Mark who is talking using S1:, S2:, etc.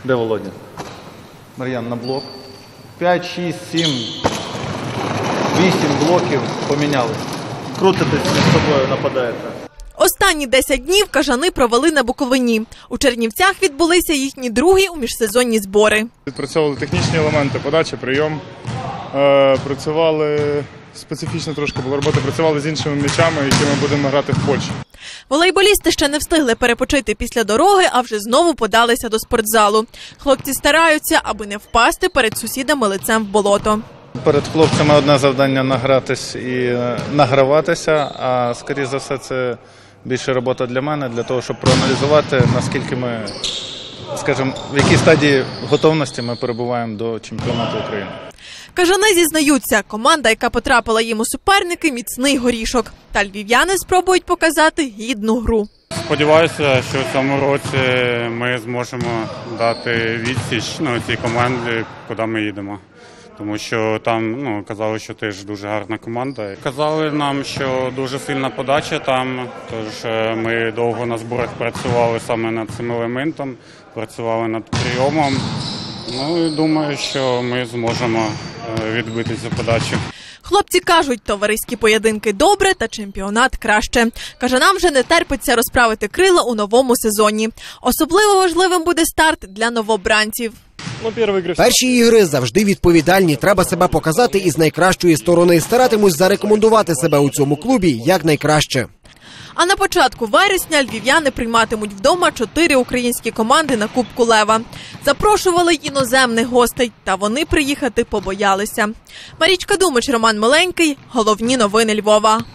S1: Де Володя? Мар'ян, на блок. 5, 6, 7, 8 блоків помінялись. Крутитесь між собою, нападаєте.
S2: Останні 10 днів кажани провели на Буковині. У Чернівцях відбулися їхні другі у міжсезонні збори.
S3: Відпрацьовували технічні елементи, подача, прийом. Працювали, специфічно трошки була робота, працювали з іншими м'ячами, які ми будемо грати в Польщі.
S2: Волейболісти ще не встигли перепочити після дороги, а вже знову подалися до спортзалу. Хлопці стараються, аби не впасти перед сусідами лицем в болото.
S1: Перед хлопцями одне завдання – награтись і награватися, а скоріше за все це більше робота для мене, для того, щоб проаналізувати, наскільки ми, скажімо, в якій стадії готовності ми перебуваємо до чемпіонату України.
S2: Кажани зізнаються, команда, яка потрапила їм у суперники – міцний горішок. Та львів'яни спробують показати гідну гру.
S4: Сподіваюся, що в цьому році ми зможемо дати відсіч цій команді, куди ми їдемо. Тому що там казали, що теж дуже гарна команда. Казали нам, що дуже сильна подача там, тож ми довго на зборах працювали саме над цим елементом, працювали над прийомом. І думаю, що ми зможемо відбитися за подачу.
S2: Хлопці кажуть, товариські поєдинки добре, та чемпіонат краще. Кажанам вже не терпиться розправити крила у новому сезоні. Особливо важливим буде старт для новобранців.
S5: Перші ігри завжди відповідальні. Треба себе показати із найкращої сторони. Старатимусь зарекомендувати себе у цьому клубі якнайкраще.
S2: А на початку вересня львів'яни прийматимуть вдома 4 українські команди на Кубку Лева. Запрошували іноземних гостей, та вони приїхати побоялися. Марічка Думич, Роман Миленький. Головні новини Львова.